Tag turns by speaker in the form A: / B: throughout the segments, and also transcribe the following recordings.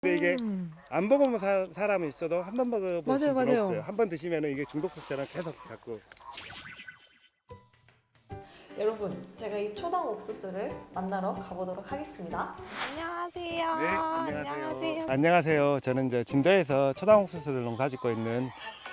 A: 근데 이게 안 먹어본 사람은 있어도 한 번 먹어볼
B: 맞아요,
A: 수는
B: 맞아요.
A: 없어요. 한 번 드시면 이게 중독성처럼 계속 자꾸.
B: 여러분, 제가 이 초당 옥수수를 만나러 가보도록 하겠습니다. 안녕하세요.
A: 네, 안녕하세요. 안녕하세요. 저는 이제 진도에서 초당 옥수수를 농사짓고 있는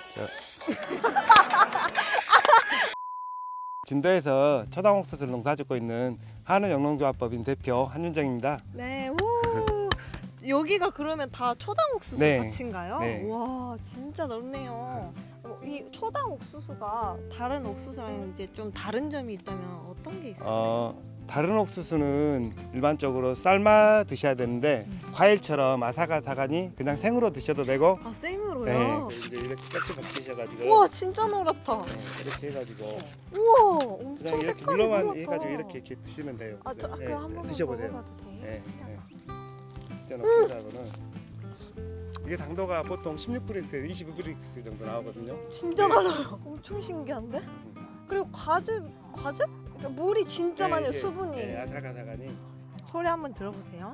A: 진도에서 초당 옥수수를 농사짓고 있는 한우영농조합법인 대표 한윤정입니다.
B: 네, 오. 여기가 그러면 다 초당 옥수수
A: 네.
B: 밭인가요?
A: 네.
B: 와, 진짜 넓네요. 이 초당 옥수수가 다른 옥수수랑 이제 좀 다른 점이 있다면 어떤 게 있어요?
A: 다른 옥수수는 일반적으로 삶아 드셔야 되는데 과일처럼 아삭아삭하니 그냥 생으로 드셔도 되고.
B: 아, 생으로요?
A: 네. 이제 이렇게 깍지 벗기셔가지고.
B: 우와, 진짜 노랗다.
A: 이렇게 해가지고
B: 우와,
A: 그냥
B: 엄청
A: 이렇게
B: 색깔이
A: 눌러만
B: 노랗다.
A: 해가지고 이렇게 드시면 돼요.
B: 아, 저
A: 네,
B: 그럼 한 번만
A: 드셔보세요.
B: 먹어봐도 돼요?
A: 네, 네. 진짜 옥수수하고는 이게 당도가 보통 16브릭스, 22브릭스 정도 나오거든요.
B: 진짜 달아요. 엄청 신기한데? 그리고 과즙? 그러니까 물이 진짜
A: 네,
B: 많아요,
A: 이게,
B: 수분이.
A: 네, 아삭아삭하니.
B: 소리 한번 들어보세요.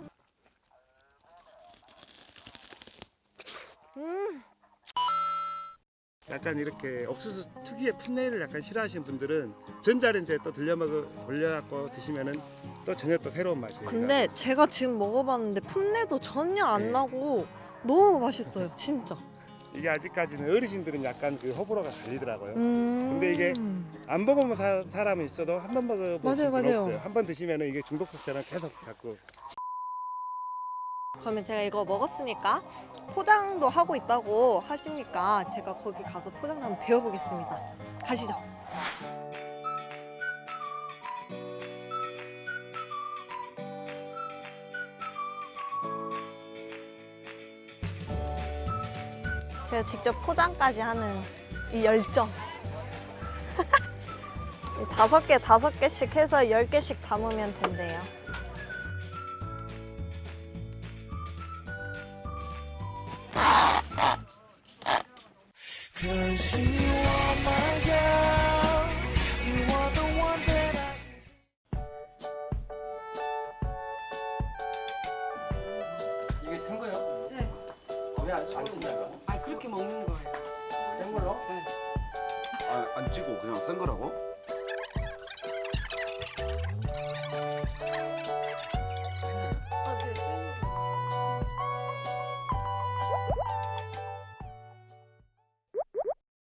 A: 약간 이렇게 옥수수 특유의 풋내를 약간 싫어하시는 분들은 전자레인지에 또 돌려갖고 드시면은 또 전혀 또 새로운 맛이에요.
B: 근데 제가 지금 먹어봤는데 풋내도 전혀 안
A: 네.
B: 나고 너무 맛있어요, 진짜.
A: 이게 아직까지는 어르신들은 약간 그 호불호가 갈리더라고요.
B: 근데
A: 이게 안 먹어본 사람은 있어도 한 번 먹어볼
B: 맞아요,
A: 수는
B: 맞아요.
A: 없어요. 한 번 드시면은 이게 중독성처럼 계속 자꾸.
B: 그러면 제가 이거 먹었으니까 포장도 하고 있다고 하시니까 제가 거기 가서 포장도 한번 배워보겠습니다. 가시죠. 제가 직접 포장까지 하는 이 열정. 다섯 개씩 해서 10개씩 담으면 된대요.
A: 이게 생 거요?
B: 네.
A: 왜안 친다고?
C: 아 그렇게 먹는 거예요.
A: 생 걸로?
C: 네.
D: 안 찌고 그냥 쓴 거라고?